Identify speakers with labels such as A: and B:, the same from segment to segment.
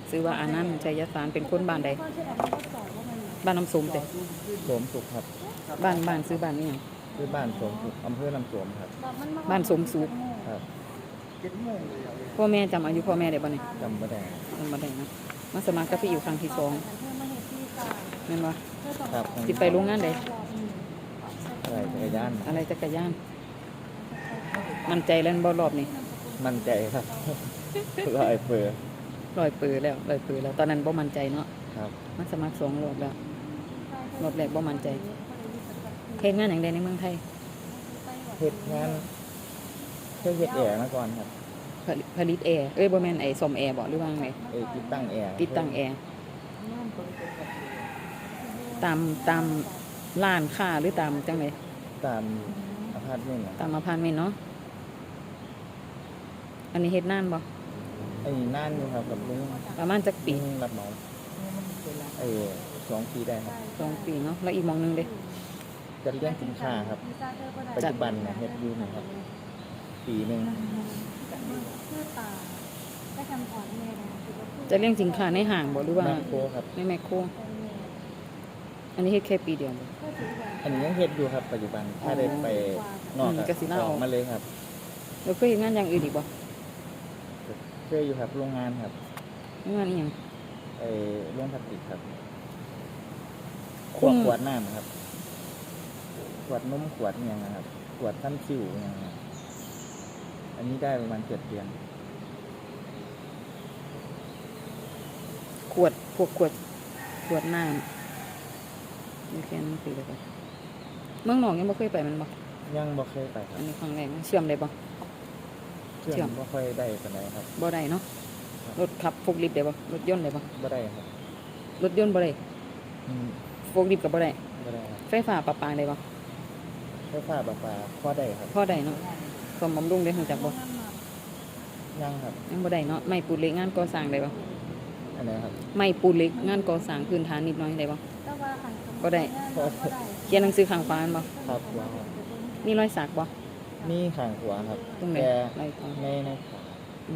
A: ซื้อว่าอานันต์ชัยสารเป็นคนบ้านใดบ้านน้ำสมเด้
B: โสมสุขครับ
A: บ้านซื้อบ้านนี่หยัง
B: คือบ้านโสมสุขอำเภอลำโสมครับ
A: บ้านสมสุข
B: ครับ
A: พ่อแม่จำอายุพ่อแม่ได้บ่นี่
B: จำไม่ได้
A: จำบ่ได้นะมาสมัครกับพี่อยู่ครั้งที่2แม่นบ่
B: ครับ
A: สิไปโรงงานใด
B: อะไรจักรยาน
A: มั่นใจแล้วบ่รอบนี้
B: มั่นใจครับร้อยเปอร์
A: แล้วตอนนั้นบ่มั่นใจเนาะ
B: ครับ
A: มาสมัคร2รอบแล้วรอบแรกบ่มั่นใจเฮ็ดงานหยังได้ในเมืองไทย
B: เฮ็ดงานเคยเฮ็ดแอร์มาก่อนครับ
A: ผลิตแอร์บ่แม่นไอ้ซ่อมแอร์บ่หรือว่าไง
B: ติดตั้งแอร์
A: ตามร้านค้าหรือตามจังได๋
B: ตามอพาร์ตเมนต์
A: ตามอพาร์ตเมนต์เนาะอันนี้เฮ็ดนานบ่
B: ไอ้นานอยู่ครับกับลุง
A: ประมาณจักปี
B: รับเหมา2 ปีได้ครับ
A: 2 ปีเนาะแล้วอีกหม้องนึงเด้
B: จะเลี้ยงสินค้าครับปัจจุบันเนี่ยเฮ็ดอยู่นะครับปีนึง
A: จะเลี้ยงสินค้าในห้างบ่หรือว่า
B: แมคโครครับ
A: ในแมคโครอันนี้เฮ็ดแค่ปีเดียวบ่
B: อันนี้ยังเฮ็ดอยู่ครับปัจจุบันถ้าได้ไปนอก
A: ก็สิลาออก
B: มาเลยครับ
A: แล้วเคยเฮ็ดงานอย่างอื่นอีกบ่
B: เคยอยู่ครับโรงงานครับ
A: งานอีหยัง
B: โรงพลาสติกครับขวดน้ำครับขวดนมขวดอย่างนะครับขวดทั้งซิวอย่างนี้อันนี้ได้ประมาณ7 เดือน
A: ขวดน้ำนี่แค่นั้นคือเลยบ่เมืองนอกยังบ่เคยไปมันบ่
B: ยังบ่เคยไปครับ
A: อันนี้ครั้งแรกเชื่อมได้บ่
B: เชื่อมบ่ค่อยได้ปานใดครับ
A: บ่ได้เนาะรถขับโฟล์คลิฟต์ได้บ่รถยนต์ได้บ่
B: บ่ได้ครับ
A: รถยนต์บ่ได้โฟล์คลิฟต์ก็บ่ได้ไฟฟ้าประปาได้บ่
B: ไฟฟ้าประปาพอได้ครับ
A: พอได้เนาะซ่อมบำรุงได้รู้จักบ่
B: ยังครับ
A: ยังบ่ได้เนาะไม้ปูนเหล็กงานก่อสร้างได้บ่
B: อันไหนครับ
A: ไม้ปูนเหล็กงานก่อสร้างพื้นฐานนิดหน่อยได้บ่บ่ได้เขียนหนังสือข้างฟ้าบ่
B: ครับ
A: มีรอยสักบ่
B: มีข้างขวาครับ
A: ตรงไหน
B: ในขวา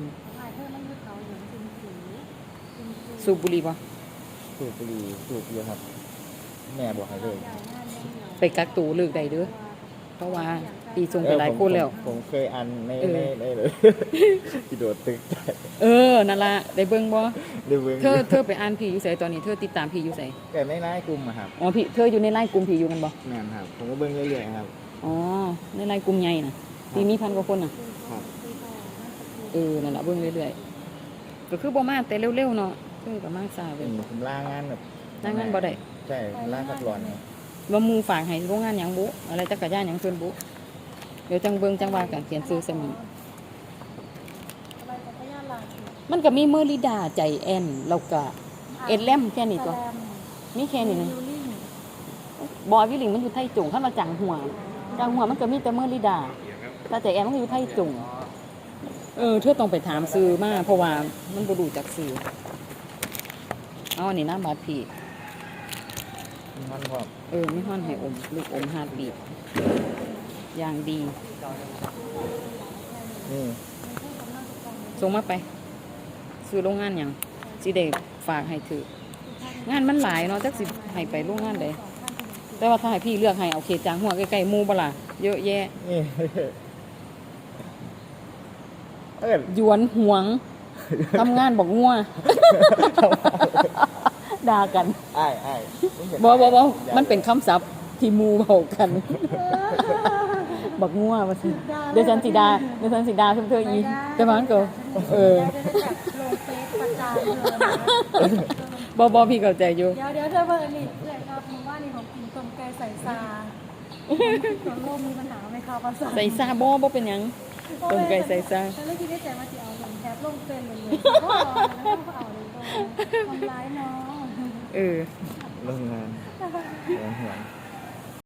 A: สูบบุหรี่บ่
B: สูบบุหรี่สูบเยอะครับแม่บอกให้เลย
A: ไปกักตัวเลิกได้เด้อเพราะว่าปีส่งไปหลายคนแล้ว
B: ผมเคยอันในเลยที่โดดตึก
A: นั่นล่ะได้เบิ่งบ่
B: ได้เบิ่ง
A: เธอไปอ่านพี่อยู่ไสตอนนี้เธอติดตามพี่อยู่ไส
B: แต่ในไลน์กลุ่มอะครับ
A: อ๋อพี่เธออยู่ในไลน์กลุ่มพี่อยู่กันบ่
B: แม่นครับผมก็เบิ่งเรื่อยๆครับ
A: อ๋อในไลน์กลุ่มใหญ่น่ะพี่มี1,000 กว่าคนน่ะ
B: ครับ
A: นั่นล่ะเบิ่งเรื่อยๆก็คือบ่มาแต่เร็วๆเนาะก็มาช้าเว้ย
B: ผมลางานแบบ
A: ลางานบ่ได้
B: ใช่ลาพักร้อน
A: ว่าหมู่ฝากให้โรงงานหยังบุอะไรจักรยานหยังเพิ่นบุเดี๋ยวจังเบิ่งจังว่ากันเขียนชื่อใส่มือมันก็มีเมอริดาใจแอนแล้วก็เอ็ดแลมแค่นี้ตัวมีแค่นี้นึงบอยวิลลิงมันอยู่ไทจงคันว่าจังหัวมันก็มีแต่เมอริดาแต่ใจแอนมันอยู่ไทจงเธอต้องไปถามซื้อมาเพราะว่ามันบ่รู้จักซื้อเอาอันนี้น้ำบาดพี่
B: มันพอ
A: ไม่ฮ้อนให้อมลูกอมฮาร์ดบีทอย่างดีส่งมาไปซื้อโรงงานอย่างสิได้ฝากให้ถืองานมันหลายเนาะจักสิให้ไปโรงงานใดแต่ว่าถ้าให้พี่เลือกให้เอาเขตจางหัวใกล้ๆหมู่บ่ล่ะเยอะแยะหยวนหวงทำงานบอกงัวด่ากันบ่มันเป็นคำศัพท์ที่หมู่เว้ากันบักงัวว่าซั่นเดี๋ยวฉันสิด่าเธออีแต่ว่ามันก็ลงเฟซประจานเลยบ่พี่เข้าใจอยู่
C: เดี๋ยวเธอเบิ่งนี่เลยครับหมู่บ้านนี่ของกินต้มไก่ใส่ซาส่วนโลกมีปัญหาไหมคะภาษา
A: ใส่ซาบ่เป็นหยังต้มไก่ใส่ซา
C: ฉันเลยคิดได้ใจว่าสิเอาลงแคปลงเฟซเลยก็เอาแล้วก็เอาเลยทำร้ายน้อง
B: โรงงานหวง